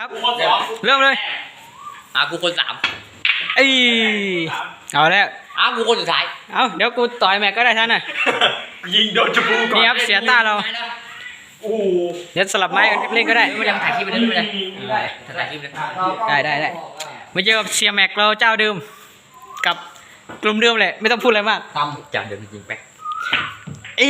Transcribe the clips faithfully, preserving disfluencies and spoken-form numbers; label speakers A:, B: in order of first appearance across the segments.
A: ครับเริ่มเลย
B: อ่ะกูคนสาม
A: ไอเอาแล้ว
B: อ่ะกูคนสุดท้าย
A: เอาเดี๋ยวกูต่อยแม็กก็ได้ท่านน่ะ
C: ยิงโดนจมูกก่อน
A: นี่ครับเสียต้าเรา
C: โอ้
A: เดี๋ยวสลับไม้เล่นก็ได้
B: ไม่ได้ถ่ายคลิปไปเลยไม่ได้ถ่ายคลิปเลย
A: ได้ได้ได้มาเจอกับเสียแม็กเราเจ้าเดิมกับกลุ่มเดิมเลยไม่ต้องพูดอะไรมาก
B: ทำจากเดิมจริงๆแป๊ก
A: อี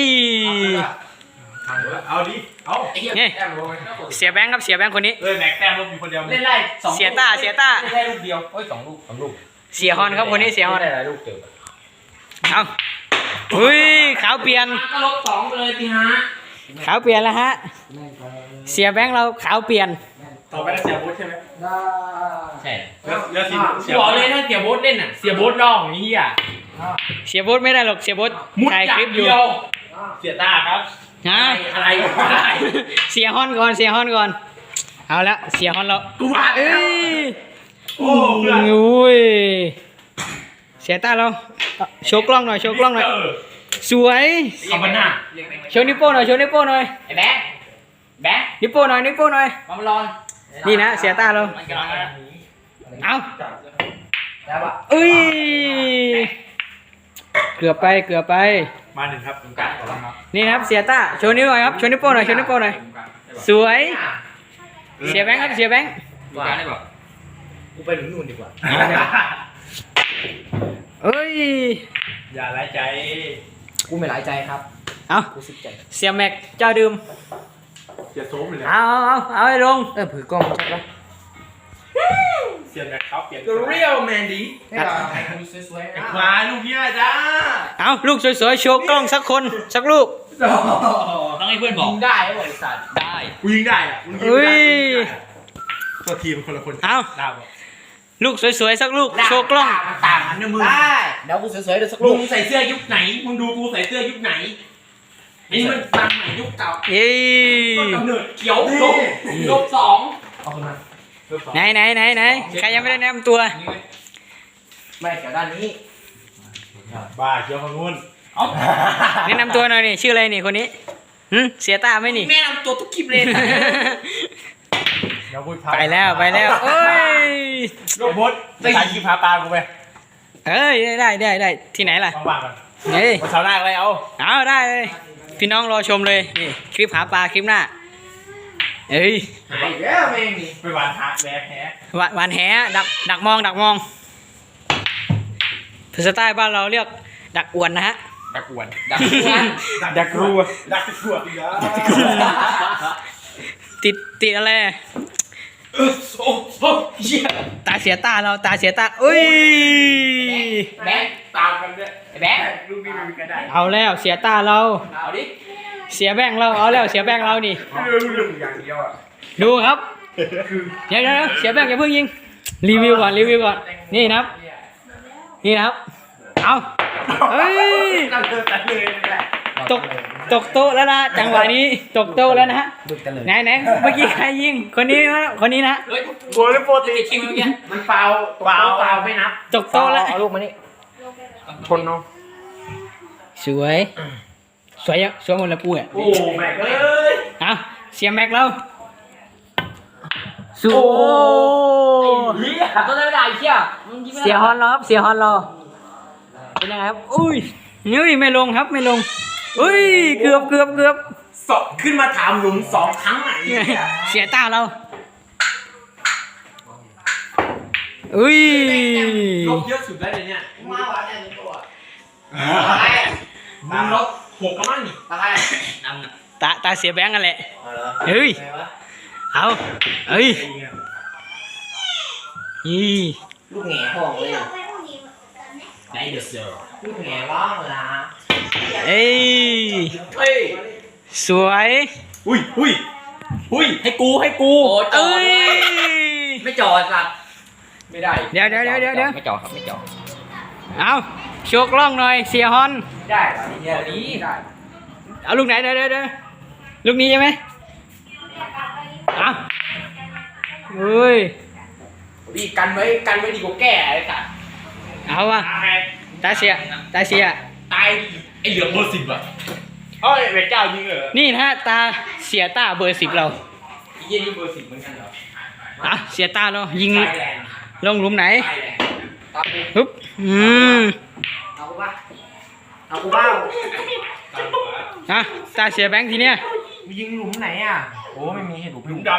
C: เอาดิเอา
A: นี่เสียแบงค์ครับเสียแบงค์คนนี้
C: เลยแม็กแต้มลูกมีคนเดียว
B: เล่นไล่
A: สองเสียต้าเสียต้า
B: เล่นไล่ลูกเดียวเฮ้ยสองลูกสองลูก
A: เสียฮอนครับคนนี้เสียฮอน
B: ได้หลายลูกเจอ
A: เอาอุ้ยขาวเปลี่ยน
B: ก็ลบสองเลยทีฮะ
A: ขาวเปลี่ยนแล้วฮะเสียแบงค์เราขาวเปลี่ยน
C: ต่อไปเสียโบ๊ทใช่ไหม
B: ใช่
C: แล้วที
B: เสียบอกเลยถ้าเสียโบ๊ทเล่นอ่ะเสียโบ๊ทร้องนี่อ่ะ
A: เสียโบ๊ทไม่ได้หรอกเสียโบ๊ทถ่ายคลิปอยู่
C: เสียต้าครับ
A: ฮะ
B: อะไรอะไร
A: เสียฮอนก่อนเสียฮอนก่อนเอาละเสียฮอนเรา
C: กูมาเอ้ย
A: โอ้ยเสียต้าเราโชว์กล้องหน่อยโชว์กล้องหน่อยสวย
C: เอามาหน้า
A: โชว์นิ้วโป้หน่อยโชว์นิ้วโป้หน่อย
B: ไอ้แบ๊กแบ๊ก
A: นิ้วโป้หน่อยนิ้วโป้หน่อย
B: มาลอน
A: นี่นะเสียต้าเราเอาเอ้ยเกือบไปเกือบไป
C: มาหนึ่งครับ
A: นี่นะครับเสียต้าโชว์นิ้วหน่อยครับโชว์นิ้วโป้หน่อยโชว์นิ้วโป้หน่อยสวยเสียแบงค์ครับเสียแบงค์
B: ว่าได้บอกกูไปถึงนู่นดีกว่า
A: เอ้ย
C: อย่าไร้ใจ
B: กูไม่หลายใจครับ
A: เอาเสียแม็กเจ้าดื่ม
C: เสียโซ่ไปเลย
A: เอาเอาเอาให้ลง
B: เออผือกล้องใช่ปะ
C: เสียแม็กเขาเปลี่ยน
B: The real man ดีให้เราถ่ายรูปสวย
C: ๆมาลูกเนี้ยจ้า
A: เอาลูกสวยๆโชว์กล้องสักคนสักลูก
B: ต้องให้เพื่อนบอกยิงได้บริษัทได้
C: กูยิงได้อ่ะมึงยิงไม่ได้ตัวทีมคนละคน
A: เอาลูกสวยๆสักลูกโชว์กล้อง
B: ต่างกันนะมึงได้เดี๋ยวกูสวยๆเดี๋ยวสักลูกมึงใส่เสื้อยุคไหนมึงดูกูใส่เสื้อยุคไหนนี่มันตังใหม่ยุคเก่า
A: เย้
B: ต้นกำเนิดเขียวลบลบสองเอาคนมา
A: ไหนไหนไหนไหนใครยังไม่ได้แนะนำตัว
B: ไม่เขียวด้านนี้
C: บ้าเขียวฝั่งนู้น
A: แนะนำตัวหน่อยนี่ชื่ออะไรนี่คนนี้หืมเสียตาไหมนี่
B: แนะนำตัวทุกคลิปเลย
A: ไปแล้วไปแล้วเอ้ย
C: โรบอทไปถ่ายคลิปพาปลากูไป
A: เอ้ยได้ได้ได้ที่ไหนล่ะ
C: ว่างๆกัน
A: เฮ้ย
C: วันเสาร์หน้าอะไรเอา
A: เอาได้เลยพี่น้องรอชมเลยนี่คลิปหาปลาคลิปหน้าเอ้ย
B: หายแล้วแม่งนี่
C: ไปหวานหาแหวแห
A: หวานหวานแหดักดักมองดักมองภาษาใต้บ้านเราเรียกดักอวนนะฮะ
C: ดักอวน
B: ดักอวน
C: ดักรัวดักรัวอีกแล้ว
A: ติดติดอะไร
C: โอ้โห
A: ตาเสียตาเราตาเสียตาอุ้ย
B: แบงค์ตามกันด้วยแบงค์ลูกนี้มันก็ได้
A: เอาแล้วเสียตาเรา
B: เอาดิ
A: เสียแบงค์เราเอาแล้วเสียแบงค์เรานี่ดูครับเดี๋ยวเดี๋ยวเสียแบงค์อย่าเพิ่งยิงรีวิวก่อนรีวิวก่อนนี่นะครับนี่นะครับเอาเฮ้ยตกตกโต๊ะแล้วนะจังหวะนี้ตกโต๊ะแล้วนะฮะไหนไหนเมื่อกี้ใครยิงคนนี้คนนี้นะ
C: โกลโปรตี
B: คิวเมื่อกี้มันเปล่าเปล่าเปล่าไม่นับ
A: ตกโต๊ะแล้ว
B: เอาลูกมานี่ชนเนาะ
A: สวยสวยสวยหมดเลยปูอ่ะ
C: โอ้แม็กเอ้ย
A: เอาเสียแม็กเราสู้
B: เฮียต้นไม่ได้เฮีย
A: เสียฮอนเราครับเสียฮอนเราเป็นยังไงครับอุ้ยนี่ไม่ลงครับไม่ลงอุ้ยเกือบเกือบเกือบ
C: สอบขึ้นมาถามหลุมสองครั้งไหน
A: เสียตาเราอุ้ย
C: ลบเยอะสุดได้เลยเนี่ย
B: มาวัดเนี่ยตัว
C: มึงลบหกก็มั่งนี่
B: ตา
A: ตาตาเสียแบงค์กันแหละเฮ้ยเอาเฮ้ยยี่
B: ลูกแง่ห้องเลยไหนเดือดเสือลูกแง่ร้องละ
A: เอ้ย
B: เฮ้ย
A: สวย
C: อุ้ยอุ้ยอุ้ยให้กูให้กู
B: เอ้ยไม่จอดสัตว์ไม่ได้
A: เดี๋ยวเดี๋ยวเดี๋ยวเดี๋ยว
B: ไม่จอดครับไม่จอด
A: เอาโชว์กล้องหน่อยเสียฮอน
B: ได้เดี๋ยวนี้ได้
A: เอาลูกไหนเดี๋ยวเดี๋ยวเดี๋ยวลูกนี้ใช่ไหมเอาเฮ้ย
B: ดีกันไว้กันไว้ดีกว่าแก่เลยสัตว์
A: เอาวะตาเสียตาเสีย
C: ตายไอเหลือเบอร์สิบอ่ะเฮ้ยเวทเก้ายิงเหรอ
A: นี่นะฮะตาเสียตาเบอร์สิบเรา
B: ยี่นี่เบอร์สิบเหมือนกันเหรอ
A: เอาเสียตาเรายิง
B: ไฟแรง
A: ลงหลุมไหน
B: ไฟแรงตากู
A: ฮึบอืม
B: เอากูป่ะเอากูบ้า
A: อ่ะตาเสียแบงค์ทีเนี้ย
B: มึงยิงหลุมไหนอ่ะโอ้ไม่มีให้หลุมหลุมด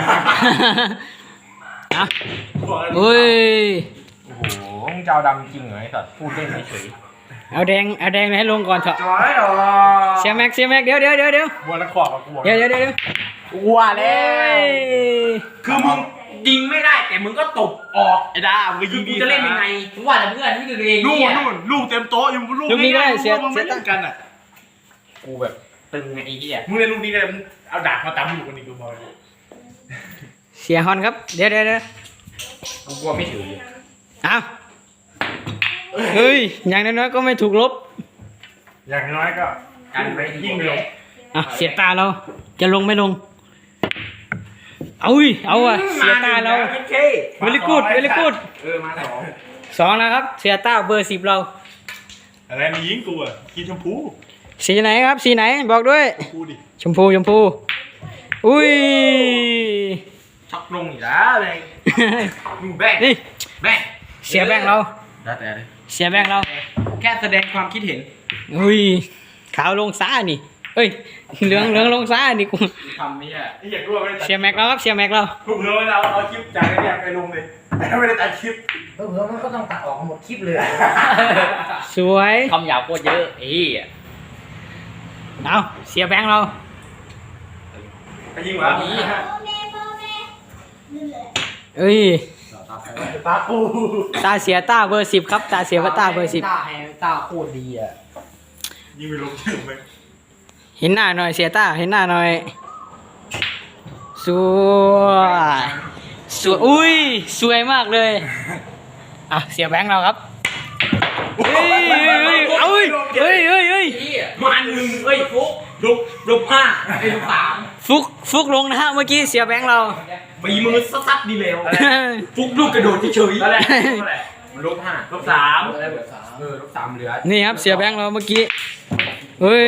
A: อ่ะเฮ้ย
B: ำโอ้โหมึงจะเอาดำจริงเหรอไอ้สัตว์พูดเล่นเฉย
A: เอาแดงเอาแดงให้ลงก่อนเถอะ
B: จอยหรอ
A: เสียแม็กเสียแม็กเดี๋ยวเดี๋ยวเดี๋ยวเดี๋ยว
B: บัวละขอบกับกู
A: เดี๋ยวเดี๋ยวเดี๋ยวเดี๋ยว
B: วัวแล้
A: เฮ้
B: วย คือมึงยิงไม่ได้แต่มึงก็ตบออก
C: ไอ้ดามึงก็
B: คื
C: ยิ
B: อง กูจะเล่นยังไง
D: มึงว่าแต่เพื่อนไม่ดูเอง
C: นู่น
D: เนี่ย
C: นู่นลูกเต็มโต๊ะอยู่ลูก
A: ลูกนี้ก็ได้เสีย
C: มึง
A: เสี
C: ไม่
A: ย
C: เล่
A: ตั้ง
C: นกันอ่ะ
B: กูแบบตึงไงไอ้เหี้ย
C: มึงเล่นลูกนี้ก็ได้มึงเอาดาบมาตำอยู่กันอีกกูบอกเลย
A: เสียฮอนครับเดี๋ยวเดี๋ยวเดี๋ยว
B: กูกลัวไม่ถือ
A: เอาเฮ้ยอย่างน้อยๆก็ไม่ถูกลบ
C: อย่างน้อยก็
B: กันไปยิงไปลง
A: อ่ะเสียตาเราจะลงไม่ลงเอาอุ้ยเอาอ่ะเสียตาเรา
B: ไม่เค
A: เวลิกูดเวลิกูด
B: เออมาสอง
A: สองแล้วครับเสียตาเบอร์สิบเรา
C: อะไรมียิงกูอ่ะกินชมพู
A: สีไหนครับสีไหนบอกด้วย
C: กูดิ
A: ชมพูชมพูอุ้ย
B: ช็อกลงอีกแล้วเลยดูแบง
A: นี่
B: แบง
A: เสียแบงค์เรา
B: แล้วแต่เลย
A: เสียแบงค์เรา
B: แค่แสดงความคิดเห็น
A: อุ้ยขาวลงซ้านี่เอ้ยเหลืองเหลืองลงซ้านี่กู
B: ทำไม่ใช่
C: ไอ้เหี้ยกูไม่ได้ตัด
A: เสียแม็กเราครับเสียแม็กเรา
C: กูเผื่อไว้เราเอาคลิปจากไอ้เนี่ยไปลงเลยแต่ไม่ได้ตัดคลิป
D: เออมันก็ต้องตัดออกหมดคลิปเลย
A: สวย
D: คำหยาบโคตรเยอะไอ้เหี้ย
A: เอาเสียแบงค์เรา
C: ไปยิงวะ
A: เอ้ย
C: ตาปู
A: ตาเสียตาเบอร์สิบครับตาเสียตาเบอร์สิบ
D: ตาให้ตาโคตรดีอ่ะ
C: ยิงไปลงชื่อไป
A: เห็นหน้าหน่อยเสียตาเห็นหน้าหน่อยสวยสวยอุ้ยสวยมากเลยอ่ะเสียแบงค์เราครับเฮ้ยเฮ้ยเฮ้ยเฮ้ยเฮ้ยเฮ้ย
B: มาหนึ่งเอ้ยฟุกลุกลุกห้าไอ้ลุกสาม
A: ฟุกฟุกลงนะฮะเมื่อกี้เสียแบงค์เรา
B: ปีมือซัดๆดีเลวฟุกลูกกระโดดเฉยๆอะไรลุกห้าลุกสามเออลุกสามเหลือ
A: นี่ครับเสียแบงค์เราเมื่อกี้เฮ้ย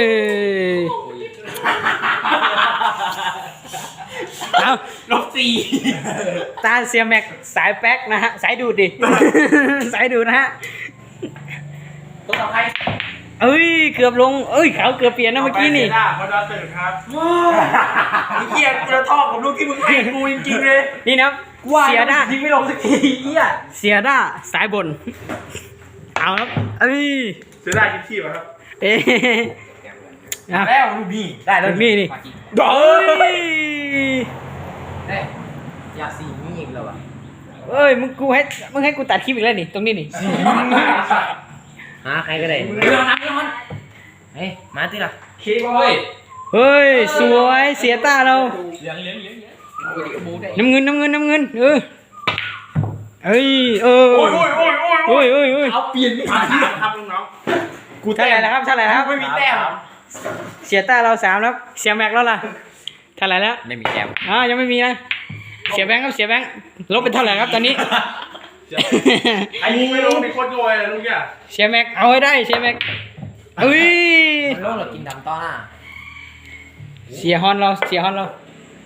A: เอา
B: ลุกสี่
A: ตาเสียแม็กสายแป๊กนะฮะสายดูดดิ สายดูดนะฮะ
B: ตัวต่อใคร
A: เอ้ยเกือบลงเอ้ยเขาเกือบเปลี่ยนนะเมื่อกี้นี่
C: หน้าพอดาตื่นครับ
B: ไอ้เหี้ยกูจะท่อกับลูกที่มึงให้กูจริงๆเลย
A: นี่นะเสียด้า
B: ยิงไม่ลงสักทีเหี้ย
A: เสียด้าสายบนเอาครับเอ้ย
C: เสียดายกินขี้ป่ะครับ
A: เอ๊ะนะ
B: แล้วลูกนี่ได้แล้ว
A: นี่นี่
B: โอ้
A: เอ้
B: ย
A: ย
D: อยากสีนี่อีกแล้วอ่ะ
A: เอ้ยมึงกูให้มึงให้กูตัดคลิปอีกแล้วนี่ตรงนี้นี่
D: หาใครก็ได้
B: เรื่องนั้นเรื่องนั้น
D: เฮ้ยมาที่ละ
B: เคบอย
A: เฮ้ยสวยเสียตาเรา
B: เหลืองเหลืองเหลือง
A: น้ำเงินน้ำเงินน้ำเงินเออเอ้ยเออ
C: โอ้ยโอ้ยโอ้ยโอ้ย
A: โอ้ยโอ้ยโอ้ย
B: เอาเปลี่ยนไม่
C: มา
B: ทัน
C: ถามครับน้อง
A: กูเท่าไหร่แล้วครับเท่าไหร่แล้วครับ
B: ไม่มีแต้ม
A: เสียตาเราสามแล้วเสียแม็กแล้วล่ะเท่าไหร่แล้ว
D: ไม่มีแก้ม
A: อ่ายังไม่มีนะเสียแบงค์ครับเสียแบงค์ลบเป็นเท่าไหร่ครับตอนนี้
C: ไอ้ยิงไม่ลงในโคตรโวยเลยลูกเนี่ย
A: เสียแม็กเอาให้ได้เสียแม็กเอ้ย
D: มันโลกเรากินดำต้อหน้า
A: เสียฮอนเราเสียฮอนเรา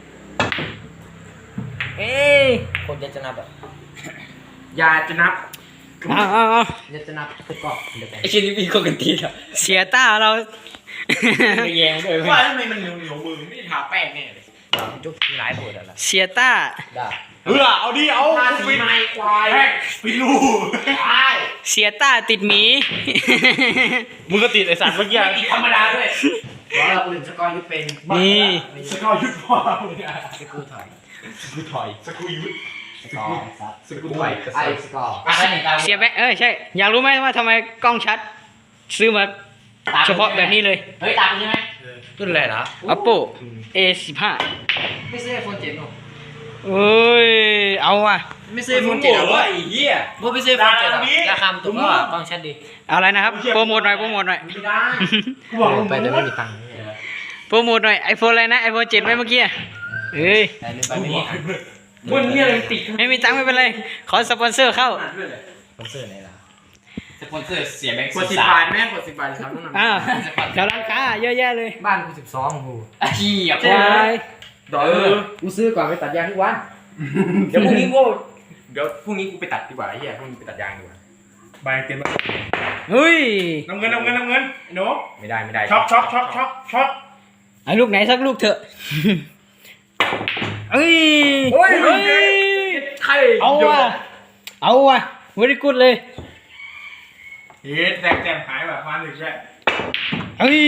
A: เอ้ย
D: คนจะจะนับแบบ
B: อย่าจะนับ
A: เอาเอาเอา
D: จะจะนับคือกรอบเดี๋ยวแบ่ง
B: ไอ้ชิ้นนี้มีคนกันทีอ่ะ
A: เสียตาเรา
D: แยงด้วย
C: ว่าทำไมมันเหนียวเหนียวมือไม่ได้ทาแป้งแน่เลย
D: จุกมีหลายปวดอ่ะล่ะ
A: เสียต้า
D: ได้
C: เออเอาดิเอา
B: ทาสีไม้ควาย
C: แป้งปิดรู
B: ใช่
A: เสียต้าติดหมี
C: มึงก็ติดไอสัตว์เมื่อกี้
B: ไม่ติดธรรมดาด้วย
D: เพราะเราอื่นสกอร์ยุบเป็น
A: นี่
C: สกอร์ยุดพ่อมึงอะ
D: สกูถอย
C: สกูถอยสกูยุด
D: สกอร์ซัด
C: สกูถอย
D: ไอ้สกอร์อะไรหนึ่งตา
A: เสียแบงค์เออใช่ อยากรู้ไหมว่าทำไมกล้องชัด ซื้อมาเฉพาะแบบนี้เลย
D: เฮ้ยตามใช่ไหมรุ่นอะไรเหรอ
A: Oppo เอ สิบห้า
D: ไม่ซื้อไอโฟนเจ็ดหรอ
A: เอ้ยเอาว่ะ
D: ไม่ซื้อไอโฟนเจ็ดหรอ
C: ไอ้เหี้ย
D: พวกไม่ซื้อไอโฟนเจ็ดหรอราคามันถูกก็กล้องชัดดี
A: เอาอะไรนะครับโปรโมทหน่อยโปรโมทหน่อย
B: ไม่ได้
C: กูบอกมึง
D: ไปแต่ไม่มีตังค์
A: โปรโมทหน่อยไอโฟนอะไรนะไอโฟนเจ็ดไหมเมื่อกี้เอ้ย
D: แต่ลืมไปไม่มีตังค์
B: มึงเนี่ยเลยติด
A: ไม่มีตังค์ไม่เป็นไรขอสปอนเซอร์เข้า
D: สปอนเซอร์ไหนล่ะ
B: สปอนเซอร์เสียแบงค์กดสิบบาทแม่กดสิบบาทครับน้อง
A: อ้าวแถวร้านค้าเยอะแยะเลย
D: บ้านกูสิบสองกู
B: ขี้อ่ะ
A: ใช่
B: ดอเออ
D: กูซื้อก่อนไปตัดยางทุกวัน
B: เดี๋ยวพรุ่งนี้กูเดี๋ยวพรุ่งนี้กูไปตัดดีกว่าไอ้เหี้ยพรุ่งนี้ไปตัดยางดีกว่า
C: ใบเต็ม
A: เฮ้ย
C: น้ำเงินน้ำเงินน้ำเงินไอ้หนู
B: ไม่ได้ไม่ได้
C: ช็อกช็อกช็อกช็อกช็อก
A: เอาลูกไหนสักลูกเถอะเอ้ย
C: โอ้ย
A: เฮ้ย
B: ใคร
A: เอาว่ะเอาว่ะไม่ได้กุดเลย
C: เฮ้ยแตกแต้มหายแบบมาหนึ่งแค่
A: เฮ้ย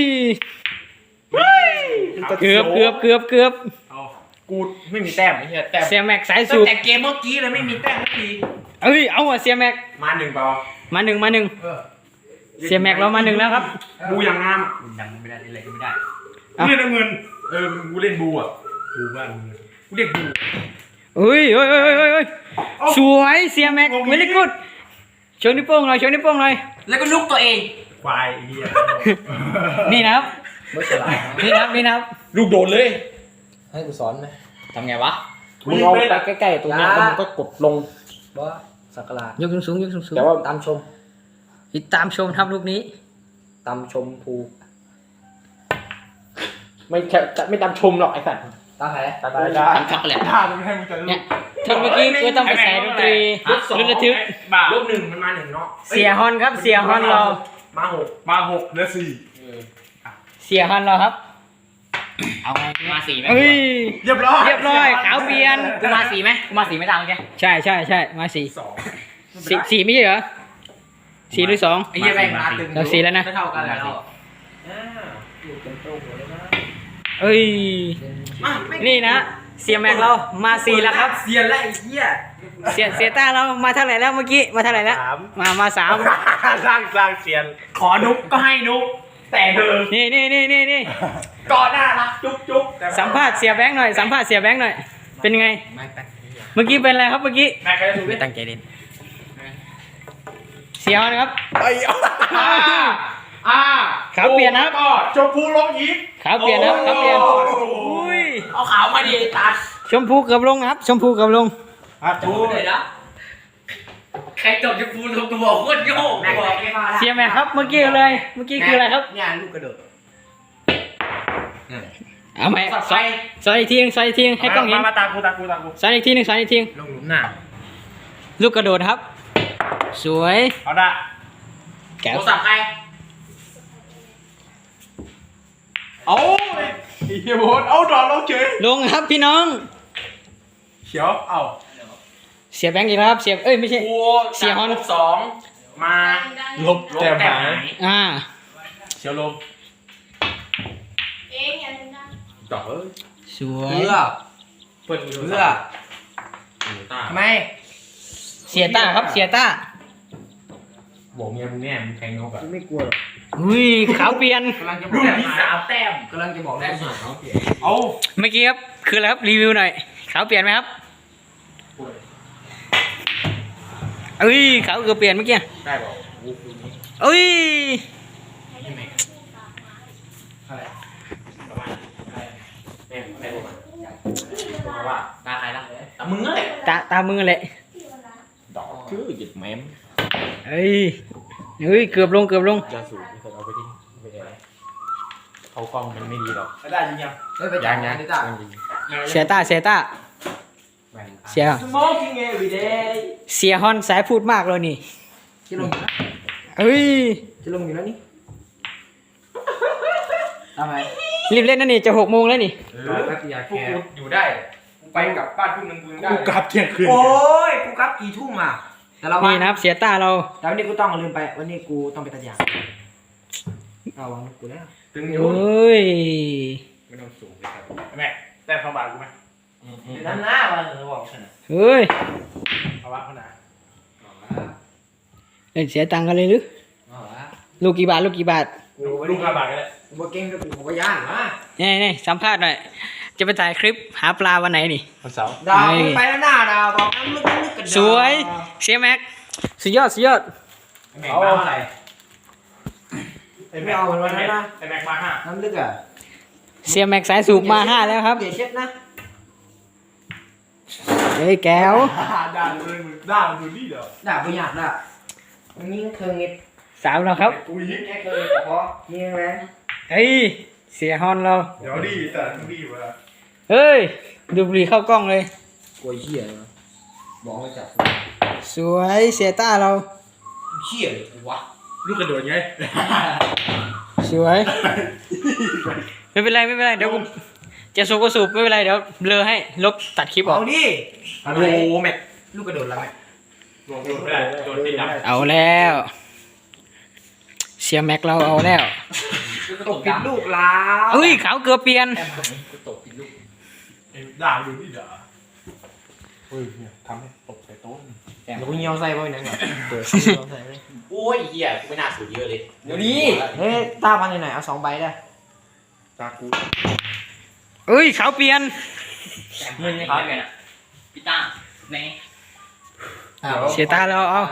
A: เกือบเกือบเกือบเกือบ
C: เอา
B: กูไม่มีแต้มไอ้เหี้ยแต้ม
A: เสียแม็กสาย
B: ตั้
A: สู
B: ง
A: บ
B: แต่เกมเมื่อกี้เลยไม่มีแต้มสักที
A: เอ้ยเอาว่ะเสียแม็ก
B: มาหนึ่งเปล่า
A: มาหนึ่งมาหนึ่ง
B: เออ
A: เสียแม็กเรามาหนึ่งแล้วครับ
B: บูอย่างงามยังไม่ได้อะไรก็ไม่ได้
C: เล่นน้ำเงิน
B: เออกูเล่นบูอ่ะ
C: ดูบ้านมึง
B: กูเรียกบู
A: เฮ้ยเฮ้ยเฮ้ยเฮ้ยเฮ้ยสวยเสียแม็กไม่ได้กุดโชว์นิ้วโป้งหน่อยโชว์นิ้วโป้งหน่อย
B: แล้วก็ลุกตัวเอง
C: ควายไอ้เหี้ย
A: นี่นะครับ
D: ไม่ฉลาด
A: นี่นะครับนี่นะครับ
B: ลูกโดดเลย
D: ให้กูสอนไหมทำไงวะ
B: มึงเอาไปใกล้ๆตรงนี้แล้วมึงก็กดลง
D: บ่สักการะ
A: ยกสูงสูงยกสูงสูง
B: แต่ว่า
D: ตามชม
A: ติดตามชมครับลูกนี้
D: ตามชมภู
B: ไม่แค่จะไม่ตามชมหรอกไอ้สัตว์
D: ตามใคร
B: ตามได้
D: ตามช็อกโกแลต
C: ถ้ามึงให้มึงจะ
A: เนี่ยเธอเมื่อกี้ก็ต้องไปใส่ดนตรีรุ่นระทึก
C: บ้า
B: ลูกหนึ่งมันมาหนึ่งเนาะ
A: เสียฮอนครับเสียฮอนเรา
B: มาหก
C: มาหกเหลือสี่
A: เสียฮอนเราครับ
D: เอาไงกูมาสี่ไหม
A: เฮ้ย
C: เรียบร้อย
A: เรียบร้อยขาวเปลี่ยน
D: กูมาสี่ไหมกูมาสี่ไม่ตามแก
A: ใช่ใช่ใช่มาสี่
C: สอง
A: สี่สี่ไม่ใช่เหรอสี่หรือสอง
D: ไอ้เหี้ยแม่งมาตึง
A: เราสี่แล้วนะ
D: เท่ากันแล้ว
A: เอ้ยนี่นะเสียแม็กเรามาสี่แล้วครับ
B: เสียนแล้วไอ้เหี้ย
A: เสียเสียต้าเรามาเท่าไหร่แล้วเมื่อกี้มาเท่าไหร่แล้วมามาสาม
C: สร้างสร้างเสียน
B: ขอนุกก็ให้นุกแต่เธอ
A: นี่นี่นี่นี่นี่
B: ก่อนหน้ารักจุ๊บจุ๊บ
A: สัมภาษณ์เสียแบงค์หน่อยสัมภาษณ์เสียแบงค์หน่อยเป็นไง
D: ไม่แป๊บ
A: เมื่อกี้เป็นอะไรครับเมื่อกี้
C: แม็กใครจะถูก
D: ไม่ตั้งใจเล่น
A: เสียฮอนครับ
C: ไอ้อ่าอ่า
A: ขาวเปลี่ยนนะครับ
C: ก็ชมพูลงอีก
A: ขาวเปลี่ยนนะครับขาวเปลี่ยน
C: โอ้
A: อุ้ย
B: เอาขาวมาดิตัด
A: ชมพูเกับลงครับ ชมพูเกับลง
C: อ่ะถูก
B: เลยนะใครจบจะพูดลงตัวโคตรโยกแม็กไม่มาละ
A: เสียแม็กครับเมื่อกี้เลย เมื่อกี้คืออะไรครับ
B: เนี่ยลูกกระโดด
A: เอาไหม
B: สับ
A: ส
B: ไฟ
A: อยสอยอีกทีหนึงสอยอีกทีหนึงให้กล้องเห็น
C: มามาตามกูตามกูตามกู
A: สอยอีกทีหนึงสอยอีกทีหนึง
B: ลงหลุมหน้า
A: ลูกกระโดดครับ สวย
C: เอาได้
A: แก้ว
B: โทรศัพท์ใคร
C: เอาไอ้เฮียโบนเอาดอกลงเฉย
A: ลงครับพี่น้อง
C: เขียวเอา
A: เสียแบงค์อีกแล้วครับเสียเอ้ยไม่ใช่
B: กู
A: เสียฮอน
B: ลบสองมา
C: ลบ
B: ลบ
C: แต้ม
B: แต้ม
C: หา
B: หาย ย
A: อ่า
C: เขียวลบ
E: เองอย่าลืมนะ
B: ต่อเอ้ย
A: สวย
D: เพื่อ
B: เปิด
D: เพื่อ
B: ตา
D: ทำไม
A: เสียต้าครับเสียต้า
B: บอกเมียมึงแน่มึงแทงนกอ่ะ
D: ไม่กลัวหรอก
A: อุ้ยขาวเปลี่ยน
D: กำลังจะบอก
B: ลูกที่สามแต้ม
D: กำลังจะบอกแต้มหาเขาเปลี่ยน
C: เอา
A: เมื่อกี้ครับคืออะไรครับรีวิวหน่อยขาวเปลี่ยนไหมครับเอ้ยขาวเกือบเปลี่ยนเมื่อกี้
B: ได้บอกโอ้โหนี้
A: เอ้ย
B: อะไรประมาณอะไรแม่แม่บอกมาบอกมาว่า
D: ตาใครล่ะ
B: แต่มึงอะไร
A: ตาตามือเลย
B: ดอกคือหยิบแม้ม
A: เอ้ยเอ้ยเกือบลงเกือบลง
B: ยาสูบไม่เคยเอาไปที่ไม่ได้เขากล้องมันไม่ดีหรอก
C: ได้ยิงยัง
D: เฮ้ยไปจั
B: ยั
D: บ
B: ง
D: งา
B: ยั
D: น
B: ง
D: ดิจ้า
A: เสียต้าเสียต้าเสีย
B: Smoking every day
A: เสียฮอนสายพูดมากเลยนี่
D: ที่ลงอยู่แล้ว
A: เอ้ย
D: ที่ลงอยู่แล้วนี่ทำไม
A: รีบเล่นนะนี่จะหกโมงแล้วนี่
B: เออ
D: แป๊บเดียว
B: พวกกูอยู่ได้กูไปกลับบ้านทุ่มนึงกูยังได้
C: กูกลับเที่ยงคืน
D: โอ้ยกูกลับกี่ทุ่มอ่ะแต่เรา
A: นี่นะครับเสียต้าเรา
D: แต่วันนี้กูต้องลืมไปวันนี้กูต้องไปตัดยางเอาวางกูแล้ว
B: ถึง
A: โอ
B: อยู่
A: ้ย
B: ไม่ต้องสูงเลยครับ
C: แม็กแต้มเข้าบาทกูไหม
D: น้ำหน้าวันหรือบอกฉัน
A: เฮ้ย
C: เอาวะเขาหนา
A: เล่นเสียตังค์กันเลยหรือลูกกี่บาทลูกกี่บาท
C: ลูกห้าบาทก็ได้
D: กูบ่เก่งกับกูกูบ่ย่านนะ
A: นี่นี่สัมภาษณ์หน่อยจะไปถ่ายคลิปหาปลาวันไหนนี่
C: วันเสาร์
D: ดาวมึงไปแล้วหน้าดาวบอกน้ำลึกลึกกันดาว
A: สวยเสียแม็กสุดยอดสุดยอด
B: แม่งมาเท่าไหร่
C: ไอ้แม็กไอ้แม็กมาห้า
D: น้ำลึกอ่ะ
A: เสียแม็กสายสูบมาห้าแล้วครับ
D: อย่าเช็ดนะ
A: เฮ้ยแก้ว
C: ด่าเลยมึงด่าดูนี่เดี๋ยว
D: ด่าประหยัดอ่ะมึงยิงเครื่องเงิน
A: สามแล้วครับ
C: กูยิง
D: แค่เครื่องพอยิงแรง
A: เฮ้ยเสียฮอนเรา
C: เดี๋ยวดีแต่ต้องดีวะ
A: เฮ้ยดูบุหรี่เข้ากล้องเลย
D: กลัวเหี้ยเลยวะบอกให้จับ
A: สวยเสียต้าเรา
B: เชี่ยเลยกูวะ
C: ลูกกระโดดไง
A: สวย ไม่เป็นไรไม่เป็นไรเดี๋ยวกูจะสูบก็สูบไม่เป็นไรเดี๋ยวเบลอให้ลบตัดคลิปออก
D: เอาดิ
B: โอ้โหแม็ก
D: ลูกกระโดดแล้วแม่
C: โดดไม่ได้โดดติดดับ
A: เอาแล้ว เสียแม็กเราเอาแล้ว
D: ตกปิดลูกแล้ว
A: เอ้ยขาวเกือบเปลี่ยน
B: กูตกปิดลูก
C: ไอ้ด่าดูนี่ด่าเฮ้ยเนี่ยทำให้ตกใส่โต๊ะ
D: เดี๋ยวกูเงียวใส่ไปหนังก่อนเปิดเงียวใส่ไป
B: โอ้ยเหี้ยกูไม่น่าสูดเยอะเลย
D: เดี๋ยวนี้เฮ้ยตาพันอยู่ไหนเอาสองใบได้
C: ตากู
A: เอ้ยขาวเปลี่ยน
B: มึงครับพี่ต้าไหน
A: เสียตาเราเอา